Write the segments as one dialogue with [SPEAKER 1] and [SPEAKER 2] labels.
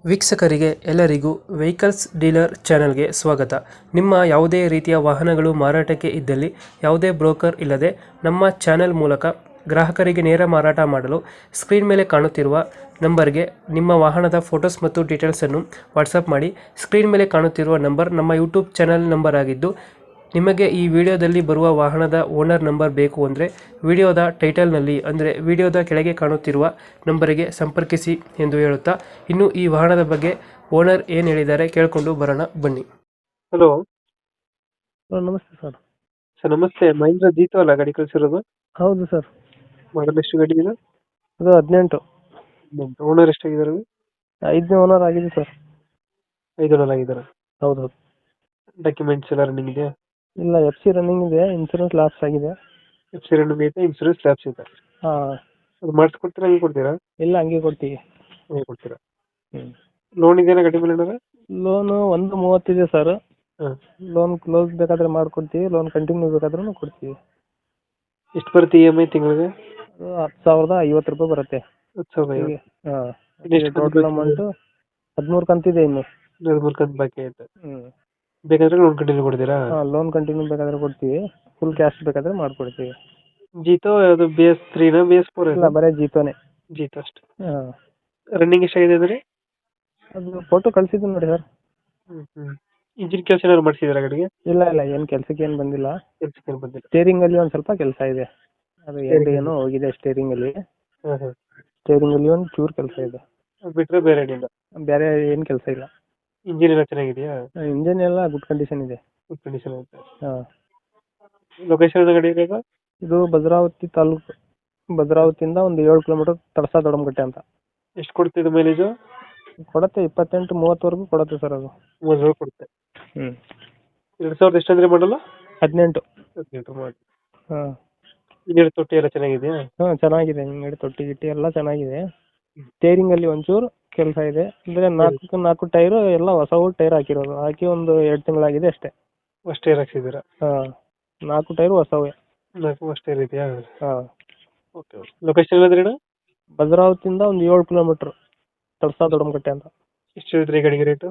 [SPEAKER 1] ವೀಕ್ಷಕರಿಗೆ ಎಲ್ಲರಿಗೂ vehicles dealer ಚಾನೆಲ್ಗೆ ಸ್ವಾಗತ. ನಿಮ್ಮ ಯಾವುದೇ ರೀತಿಯ ವಾಹನಗಳು ಮಾರಾಟಕ್ಕೆ ಇದ್ದಲ್ಲಿ ಯಾವುದೇ ಬ್ರೋಕರ್ ಇಲ್ಲದೆ ನಮ್ಮ ಚಾನೆಲ್ ಮೂಲಕ ಗ್ರಾಹಕರಿಗೆ ನೇರ ಮಾರಾಟ ಮಾಡಲು ಸ್ಕ್ರೀನ್ ಮೇಲೆ ಕಾಣುತ್ತಿರುವ ನಂಬರ್ಗೆ ನಿಮ್ಮ ವಾಹನದ ಫೋಟೋಸ್ ಮತ್ತು ಡೀಟೇಲ್ಸನ್ನು ವಾಟ್ಸಪ್ ಮಾಡಿ. ಸ್ಕ್ರೀನ್ ಮೇಲೆ ಕಾಣುತ್ತಿರುವ ನಂಬರ್ ನಮ್ಮ ಯೂಟ್ಯೂಬ್ ಚಾನೆಲ್ ನಂಬರ್ ಆಗಿದ್ದು, ನಿಮಗೆ ಈ ವಿಡಿಯೋದಲ್ಲಿ ಬರುವ ವಾಹನದ ಓನರ್ ನಂಬರ್ ಬೇಕು ಅಂದರೆ ವಿಡಿಯೋದ ಟೈಟಲ್ನಲ್ಲಿ ಅಂದರೆ ವಿಡಿಯೋದ ಕೆಳಗೆ ಕಾಣುತ್ತಿರುವ ನಂಬರಿಗೆ ಸಂಪರ್ಕಿಸಿ ಎಂದು ಹೇಳುತ್ತಾ, ಇನ್ನು ಈ ವಾಹನದ ಬಗ್ಗೆ ಓನರ್ ಏನು ಹೇಳಿದ್ದಾರೆ ಕೇಳಿಕೊಂಡು ಬರೋಣ ಬನ್ನಿ. ಹಲೋ
[SPEAKER 2] ನಮಸ್ತೆ ಸರ್.
[SPEAKER 1] ಸರ್ ನಮಸ್ತೆ. ಮಹೇಂದ್ರ ಜೀತೋ ಅಲ್ಲ ಗಾಡಿ ಕಳಿಸಿರೋದು?
[SPEAKER 2] ಹೌದು ಸರ್.
[SPEAKER 1] ಮಾಡಲ್ ಎಷ್ಟು ಗಾಡಿ ಇದೆ?
[SPEAKER 2] ಅದು 18.
[SPEAKER 1] ಓನರ್ ಎಷ್ಟಾಗಿದ್ದಾರೆ?
[SPEAKER 2] 5ನೇ ಓನರ್ ಆಗಿದೆ ಸರ್.
[SPEAKER 1] 5 ಓನರ್ ಆಗಿದ್ದಾರೆ.
[SPEAKER 2] ಹೌದು ಹೌದು.
[SPEAKER 1] ಡಾಕ್ಯುಮೆಂಟ್ಸ್ ಎಲ್ಲ ರನ್ನಿಂಗ್ ಇದೆ?
[SPEAKER 2] ಇಲ್ಲ, FC ರನ್ನಿಂಗ್ ಇದೆ, ಇನ್ಸೂರೆನ್ಸ್ ಲಾಪ್ಸ್ ಆಗಿದೆ.
[SPEAKER 1] FC ರನ್ನಿಂಗ್ ಐತೆ, ಇನ್ಸೂರೆನ್ಸ್ ಲ್ಯಾಪ್ಸ್ ಇದೆ.
[SPEAKER 2] ಹಾಂ.
[SPEAKER 1] ಅದು ಮಾಡಿಸ್ಕೊಡ್ತೀರಾ, ಹಂಗೆ ಕೊಡ್ತೀರಾ?
[SPEAKER 2] ಇಲ್ಲ, ಹಂಗೆ ಕೊಡ್ತೀವಿ.
[SPEAKER 1] ಹಂಗೆ ಕೊಡ್ತೀರಾ?
[SPEAKER 2] ಹ್ಞೂ.
[SPEAKER 1] ಲೋನ್ ಇದೆಯಾ ಗಾಡಿ ಮೇಲೆ ಏನಾರ?
[SPEAKER 2] ಲೋನು 1.30 ಇದೆ ಸರ್.
[SPEAKER 1] ಹಾಂ.
[SPEAKER 2] ಲೋನ್ ಕ್ಲೋಸ್ ಬೇಕಾದ್ರೆ ಮಾಡ್ಕೊಡ್ತೀವಿ, ಲೋನ್ ಕಂಟಿನ್ಯೂ ಬೇಕಾದ್ರೂ ಕೊಡ್ತೀವಿ.
[SPEAKER 1] ಎಷ್ಟು ಬರುತ್ತೆ EMI ತಿಂಗಳಿಗೆ?
[SPEAKER 2] ಅದು 10,050 ರೂಪಾಯಿ ಬರುತ್ತೆ.
[SPEAKER 1] 10,050.
[SPEAKER 2] ಹಾಂ.
[SPEAKER 1] ಎಷ್ಟು
[SPEAKER 2] ಟೋಟಲ್ ಅಮೌಂಟು 13 ಕಂತಿದೆ ಇನ್ನು.
[SPEAKER 1] 13 ಕಂತು ಬಾಕಿ ಐತೆ.
[SPEAKER 2] ಹ್ಞೂ.
[SPEAKER 1] ಬೇಕಾದ್ರೆ ಲೋನ್ ಕಂಟಿನ್ಯೂ ಕೊಡ್ತೀರಾ?
[SPEAKER 2] ಹಾಂ, ಲೋನ್ ಕಂಟಿನ್ಯೂ ಬೇಕಾದ್ರೆ ಕೊಡ್ತೀವಿ, ಫುಲ್ ಕ್ಯಾಶ್ ಬೇಕಾದ್ರೆ ಮಾಡ್ಕೊಡ್ತೀವಿ.
[SPEAKER 1] ಜೀತೋ ಅದು BS3 BS4?
[SPEAKER 2] ಇಲ್ಲ, ಬರೀ ಜೀತೋನೇ.
[SPEAKER 1] ಜೀತೋ ಅಷ್ಟೇ.
[SPEAKER 2] ಹಾಂ.
[SPEAKER 1] ರನ್ನಿಂಗ್ ಎಷ್ಟಾಗಿದೆ ಅಂದ್ರೆ?
[SPEAKER 2] ಅದು ಫೋಟೋ ಕಳಿಸಿದ್ದು ನೋಡಿ ಸರ್.
[SPEAKER 1] ಇಂಜಿನ್ ಕೆಲಸ ಏನಾದ್ರು ಮಾಡಿಸಿದಾರ ಗಾಡಿಗೆ?
[SPEAKER 2] ಇಲ್ಲ ಇಲ್ಲ, ಏನು ಕೆಲಸಕ್ಕೆ ಏನು ಬಂದಿಲ್ಲ.
[SPEAKER 1] ಕೆಲಸಕ್ಕೆ ಏನು ಬಂದಿಲ್ಲ.
[SPEAKER 2] ಸ್ಟೇರಿಂಗ್ ಅಲ್ಲಿ ಒಂದು ಸ್ವಲ್ಪ ಕೆಲಸ ಇದೆ, ಅದು ಏನೋ ಹೋಗಿದೆ ಸ್ಟೇರಿಂಗ್ ಅಲ್ಲಿ.
[SPEAKER 1] ಹಾಂ.
[SPEAKER 2] ಸ್ಟೇರಿಂಗ್ ಅಲ್ಲಿ ಒಂದು ಚೂರು ಕೆಲಸ ಇದೆ,
[SPEAKER 1] ಬಿಟ್ಟರೆ ಬೇರೆ ಏನಿಲ್ಲ.
[SPEAKER 2] ಬೇರೆ ಏನು ಕೆಲಸ ಇಲ್ಲ.
[SPEAKER 1] ಇಂಜಿನ್ ಎಲ್ಲ ಚೆನ್ನಾಗಿದೆಯಾ?
[SPEAKER 2] ಇಂಜಿನ್ ಎಲ್ಲ ಗುಡ್ ಕಂಡೀಷನ್ ಇದೆ.
[SPEAKER 1] ಗುಡ್ ಕಂಡೀಷನ್ ಐತೆ.
[SPEAKER 2] ಹಾಂ.
[SPEAKER 1] ಲೊಕೇಶನ್ ಗಾಡಿ ಇರೋದು?
[SPEAKER 2] ಇದು ಭದ್ರಾವತಿ ತಾಲೂಕು. ಭದ್ರಾವತಿಯಿಂದ ಒಂದು 7 ಕಿಲೋಮೀಟರ್, ತಡಸ ದೊಡಮಗಟ್ಟೆ ಅಂತ.
[SPEAKER 1] ಎಷ್ಟು ಕೊಡ್ತಿದ್ದು ಮೈಲೇಜು?
[SPEAKER 2] ಕೊಡುತ್ತೆ 28-30 ಕೊಡುತ್ತೆ ಸರ್ ಅದು.
[SPEAKER 1] 30 ಕೊಡುತ್ತೆ.
[SPEAKER 2] ಹ್ಞೂ.
[SPEAKER 1] 2000 ಎಷ್ಟು ಅಂದ್ರೆ ಮಾಡಲ್ಲ?
[SPEAKER 2] 18.
[SPEAKER 1] 18 ಮಾಡಿ.
[SPEAKER 2] ಹಾಂ.
[SPEAKER 1] ಇಂಜಿನ್ ತೊಟ್ಟಿ ಎಲ್ಲ ಚೆನ್ನಾಗಿದೆಯಾ?
[SPEAKER 2] ಹಾಂ, ಚೆನ್ನಾಗಿದೆ. ಹಿಂಗಡಿ ತೊಟ್ಟಿ ಗಿಟ್ಟಿ ಎಲ್ಲ ಚೆನ್ನಾಗಿದೆ. ಸ್ಟೇರಿಂಗ್ ಅಲ್ಲಿ ಒಂಚೂರು ಕೆಲಸ ಇದೆ, ಅಂದರೆ 4 ಟೈರು ಎಲ್ಲ ಹೊಸವು ಟೈರ್ ಹಾಕಿರೋದು, ಹಾಕಿ ಒಂದು 2 ತಿಂಗಳಾಗಿದೆ ಅಷ್ಟೇ.
[SPEAKER 1] ಫಸ್ಟ್ ಟೈರ್ ಹಾಕ್ಸಿದ್ದೀರಾ?
[SPEAKER 2] ಹಾಂ, 4 ಟೈರು ಹೊಸವೇ.
[SPEAKER 1] 4 ಫಸ್ಟ್ ಟೈರ್ ಇದೆಯಾ?
[SPEAKER 2] ಹಾಂ.
[SPEAKER 1] ಓಕೆ. ಲೊಕೇಶನ್ ಎಲ್ಲಂದ್ರೆ?
[SPEAKER 2] ಭದ್ರಾವತಿಯಿಂದ ಒಂದು 7 ಕಿಲೋಮೀಟರ್, ತಡಸ ದೊಡಮಗಟ್ಟೆ ಅಂತ.
[SPEAKER 1] ಎಷ್ಟು ಹೇಳಿದ್ರಿ ಗಾಡಿಗೆ ರೇಟು?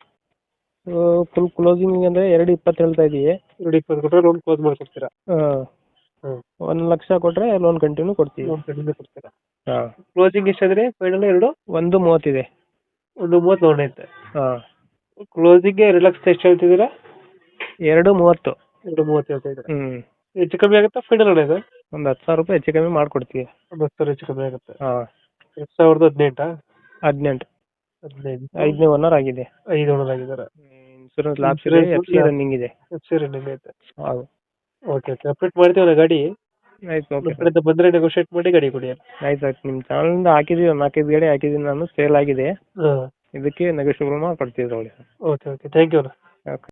[SPEAKER 2] ಫುಲ್ ಕ್ಲೋಸಿಂಗ್ ಅಂದರೆ 2.20 ಹೇಳ್ತಾ ಇದ್ದೀವಿ.
[SPEAKER 1] 2.20 ಕೊಟ್ಟರೆ ಲೋನ್ ಕ್ಲೋಸ್ ಮಾಡಿಕೊಡ್ತೀರಾ?
[SPEAKER 2] ಹಾಂ. 1 ಲಕ್ಷ ಕೊಟ್ಟರೆ ಲೋನ್ ಕಂಟಿನ್ಯೂ ಕೊಡ್ತೀವಿ.
[SPEAKER 1] ಲೋನ್ ಕಂಟಿನ್ಯೂ ಕೊಡ್ತೀರಾ?
[SPEAKER 2] ಹಾಂ.
[SPEAKER 1] Closing ಎಷ್ಟಾದ್ರೆ final?
[SPEAKER 2] 1.30 ಇದೆ.
[SPEAKER 1] 1.30 ಲೋನ್ ಐತೆ.
[SPEAKER 2] ಹಾಂ.
[SPEAKER 1] ಕ್ಲೋಸಿಂಗ್ಗೆ 2 ಲಕ್ಷ ಎಷ್ಟು ಹೇಳ್ತಿದ್ದೀರಾ?
[SPEAKER 2] 2.30.
[SPEAKER 1] 2.30 ಹೇಳ್ತಾ ಇದ್ದೀರಾ?
[SPEAKER 2] ಹ್ಞೂ.
[SPEAKER 1] ಹೆಚ್ಚು ಕಮ್ಮಿ ಆಗುತ್ತಾ ಫೈನಲ್ ಅಣ್ಣ ಇದು?
[SPEAKER 2] ಒಂದು 10,000 ರೂಪಾಯಿ ಹೆಚ್ಚು ಕಮ್ಮಿ ಮಾಡಿಕೊಡ್ತೀವಿ.
[SPEAKER 1] ಒಂದು 10,000 ಹೆಚ್ಚು ಕಮ್ಮಿ ಆಗುತ್ತೆ.
[SPEAKER 2] ಹಾಂ.
[SPEAKER 1] 2018?
[SPEAKER 2] 18.
[SPEAKER 1] 15.
[SPEAKER 2] 5ನೇ ಓನರ್ ಆಗಿದೆ.
[SPEAKER 1] 5 ಓನರ್ ಆಗಿದ್ದಾರೆ.
[SPEAKER 2] ಇನ್ಸೂರೆನ್ಸ್ ಲಾಪ್ಸ್ ಇದೆ, FC ರನ್ನಿಂಗ್ ಇದೆ.
[SPEAKER 1] FC ರನ್ನಿಂಗ್ ಐತೆ.
[SPEAKER 2] ಹೌದು.
[SPEAKER 1] ಓಕೆ. ಅಪ್ಡೇಟ್ ಮಾಡ್ತೀವಿ ಗಾಡಿ.
[SPEAKER 2] ಆಯ್ತು, ಓಕೆ.
[SPEAKER 1] ನಮ್ಮ ಕಡೆಯಿಂದ ಬಂದರೆ ನೆಗೋಷಿಯೇಟ್ ಮಾಡಿ ಗಾಡಿ ಕೊಡಿ.
[SPEAKER 2] ಆಯ್ತು ಆಯ್ತು. ನಿಮ್ಮ ಚಾನಲಿಂದ ಹಾಕಿದ್ದೀವಿ, ಒಂದು 4-5 ಗಾಡಿ ಹಾಕಿದ್ದೀನಿ ನಾನು, ಸೇಲ್ ಆಗಿದೆ.
[SPEAKER 1] ಹಾಂ.
[SPEAKER 2] ಇದಕ್ಕೆ ನೆಗೋಷಿಯಬಲ್ ಮಾಡಿ ಕೊಡ್ತೀವಿ ನೋಡಿ.
[SPEAKER 1] Okay okay. ಥ್ಯಾಂಕ್ ಯು ಅಣ್ಣ.